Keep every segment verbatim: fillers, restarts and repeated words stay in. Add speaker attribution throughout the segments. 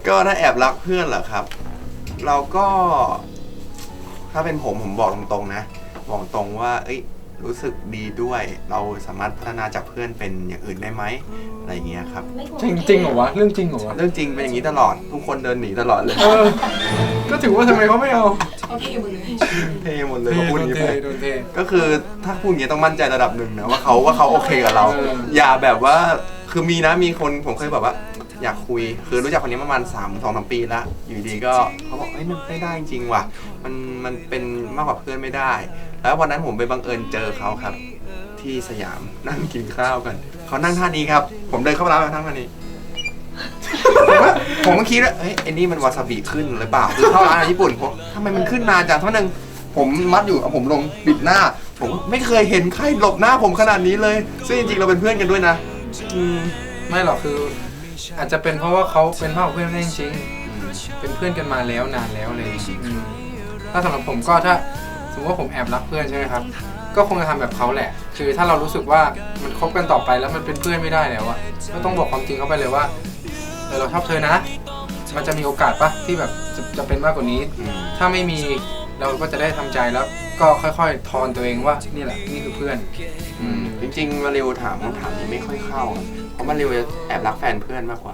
Speaker 1: ก็ถ้าแอบรักเพื่อนเหรอครับ เราก็ถ้าเป็นผมผมบอกตรงๆนะบอกตรงว่าเอ้ยรู้สึกดีด้วยเราสามารถพัฒนาจากเพื่อนเป็นอย่างอื่นได้ไหมอะไรอย่างเงี้ยครับ
Speaker 2: จริงจริงเหรอวะเรื่องจริงเหรอวะ
Speaker 1: เรื่องจริงเป็นอย่างนี้ตลอดทุกคนเดินหนีตลอดเลย
Speaker 2: เออก็ถือว่าทำไมเขาไม่เอา
Speaker 3: โอเคหมดเลย
Speaker 1: เท่หมดเลย
Speaker 2: เท
Speaker 1: เขาพูด
Speaker 2: โด
Speaker 1: อย่าง
Speaker 2: น
Speaker 1: นี้
Speaker 2: เท
Speaker 1: ไป
Speaker 2: โดนเท
Speaker 1: ก็คือถ้าพูดอย่างนี้ต้องมั่นใจระดับหนึ่งนะว่าเขาว่าเขาโอเคกับเรา
Speaker 2: เออ
Speaker 1: อย่าแบบว่าคือมีนะมีคนผมเคยแบบว่า อยากคุยคือรู้จักคนนี้ประมาณสามสองสามปีแล้วอยู่ดีก็เขาบอกเฮ้ยมันไม่ได้จริงว่ะมันมันเป็นมากกว่าเพื่อนไม่ได้ แล้ววันนั้นผมไปบังเอิญเจอเขาครับ ที่สยามนั่งกินข้าวกันเขานั่งท่านี้ครับผมเดินเข้าไปร้านแล้วนั่งท่านี้ ผมว่าผมก็คิดว่าเฮ้ยไอ้นี่มันวาซาบิขึ้นหรือเปล่าคือเข้าร้านอาหารญี่ปุ่นผมทำไมมันขึ้นนานจังเท่านึงผมมัดอยู่เอาผมลงปิดหน้า ผมไม่เคยเห็นใครหลบหน้าผมขนาดนี้เลยซึ่งจริงๆเราเป็นเพื่อนกันด้วยนะอืม
Speaker 2: ไม่หรอกคือ อาจจะเป็นเพราะว่าเขาเป็นพ่อเพื่อนได้จริงๆเป็นเพื่อนกันมาแล้วนานแล้วเลยอืมถ้าสำหรับผมก็ถ้าสมมติว่าผมแอบรักเพื่อนใช่ไหมครับก็คงจะทำแบบเขาแหละ คือถ้าเรารู้สึกว่ามันคบกันต่อไปแล้วมันเป็นเพื่อนไม่ได้แล้วอะก็ต้องบอกความจริงเขาไปเลยว่าเออเราชอบเธอนะ มันจะมีโอกาสปะที่แบบจะจะเป็นมากกว่านี้
Speaker 1: อืม
Speaker 2: ถ้าไม่มีเราก็จะได้ทำใจแล้วก็ค่อยๆทอนตัวเองว่านี่แหละนี่คือเพื่อน
Speaker 1: อืมจริงๆมาริวถามคำถามนี้ไม่ค่อยเข้า เพราะมาริวจะแอบรักแฟนเพื่อนมากกว่า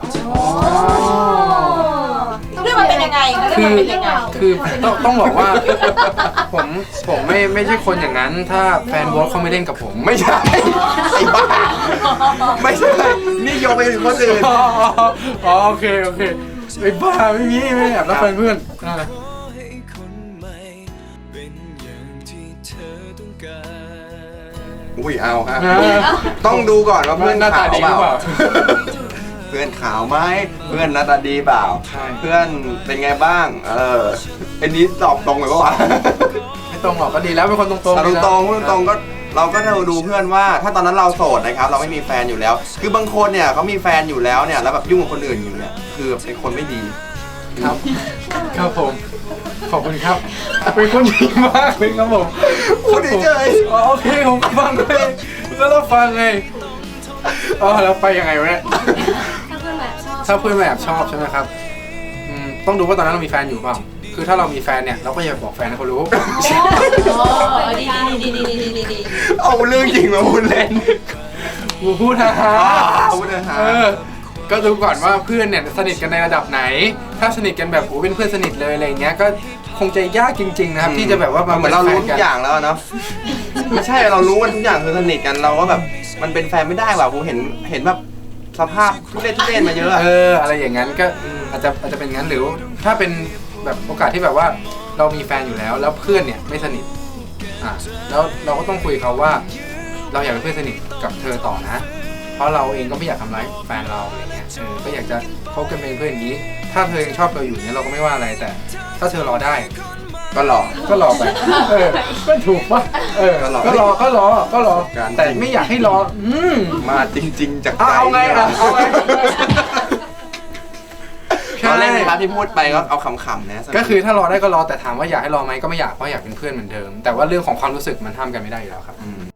Speaker 3: เรื่องมันเป็นยังไงเรื่องมันเป็นยังไง
Speaker 2: คือต้องต้องบอกว่า ผมผมไม่ไม่ใช่คนอย่างนั้น ถ้าแฟนโบ๊ทเขาไม่เล่นกับผม
Speaker 1: ไม่ใช่ไอ้บ้าไม่ใช่นี่โยงไปถึงคนอื่น
Speaker 2: อ๋ออ๋อโอเคโอเคไอ้บ้าไม่มีไม่แอบรักแฟนเพื่อนอ่า
Speaker 1: อุ้ยเอาฮะต้องดูก่อนว่าเพื่อน
Speaker 2: หน้าตา
Speaker 1: ขาว
Speaker 2: ดี
Speaker 1: เป
Speaker 2: หรือเป
Speaker 1: ล่า
Speaker 2: ล่า
Speaker 1: เพื่อนขาวไหมเพื่อนหน้าตาดีเปล่า
Speaker 2: ใช่
Speaker 1: เพื่อนเป็นไงบ้าง เอออันนี้ตอบตรงเลยปะวะ
Speaker 2: ไม่ตรงหรอกก็ดีแล้วเป็นคนตรงๆ
Speaker 1: ต
Speaker 2: ดี
Speaker 1: รง
Speaker 2: แล้ว
Speaker 1: ตรงพูดตรงๆก็เราก็เราดูเพื่อนว่า ถ้าตอนนั้นเราโสดนะครับ เราไม่มีแฟนอยู่แล้ว คือบางคนเนี่ยเขามีแฟนอยู่แล้วเนี่ยแล้วแบบยุ่งกับคนอื่นอยู่เนี่ยคือเป็นคนไม่ดี
Speaker 2: ครับครับผมขอบคุณครับเป็นคนดีมากเลยครับผม
Speaker 1: พูดเฉย
Speaker 2: อ๋อโอเคผมฟังเลยแล้วเราฟังไงอ๋อแล้วไปยังไงวะเนี่ย
Speaker 3: ถ้าเพื่อนแบบชอบ
Speaker 2: ถ้าเพื่อนมาแอบชอบใช่ไหมครับอืมต้องดูว่าตอนนั้นเรามีแฟนอยู่เปล่าคือถ้าเรามีแฟนเนี่ยเราก็อย่าบอกแฟนให้เขารู้
Speaker 3: โอ้ดีดีดีดีดีดีดี
Speaker 1: เอาเรื่องจริงมาพูดเล่น
Speaker 2: กูพูดฮะ
Speaker 1: พูดนะฮะ
Speaker 2: เออก็ดูก่อนว่าเพื่อนเนี่ยสนิทกันในระดับไหน ถ้าสนิทกันแบบโอ้เป็นเพื่อนสนิทเลยอะไรอย่างเงี้ยก็คงจะยากจริงๆนะครับที่จะแบบว่ามา
Speaker 1: เหมือนเรารู้
Speaker 2: ป็นแฟ
Speaker 1: ทุกอย่างแล้วเนาะไม่ใช่เรารู้กันทุกอย่างคือสนิทกันเราก็แบบมันเป็นแฟนไม่ได้ว่ะกูเห็นเห็นแบบสภาพทุเรศทุเรศมาเยอะอะ
Speaker 2: เอออะไรอย่างนั้นก็อาจจะอาจจะเป็นงั้นหรือถ้าเป็นแบบโอกาสที่แบบว่าเรามีแฟนอยู่แล้ว แล้วเพื่อนเนี่ยไม่สนิทอ่ะแล้วเราก็ต้องคุยเขาว่า เราอยากเป็นเพื่อนสนิทกับเธอต่อนะ เพราะเราเองก็ไม่อยากทำร้ายแฟนเราอะไรเงี้ยเออก็อยากจะคบกันเป็นเพื่อนอย่างนี้ ถ้าเธอยังชอบเราอยู่เนี่ยเราก็ไม่ว่าอะไรแต่ ถ้าเธอรอได้
Speaker 1: ก็หลอก
Speaker 2: ก็รอไปเออก็ถูกปะเออ
Speaker 1: ก็รอ
Speaker 2: ก็รอก็รอก็รอ
Speaker 1: การ
Speaker 2: แต่ไม่อยากให้รออืม
Speaker 1: มาจริง ๆ จากใจ
Speaker 2: เอาเอาไงอ่ะเอาไง
Speaker 1: เราเล่นนะครับที่พูดไปก็เอาขำๆนะ
Speaker 2: ก็คือถ้ารอได้ก็รอแต่ถามว่าอยากให้รอไหมก็ไม่อยากเพราะอยากเป็นเพื่อนเหมือนเดิม แต่ว่าเรื่องของความรู้สึกมันห้ามกันไม่ได้อยู่แล้วครับ
Speaker 1: ม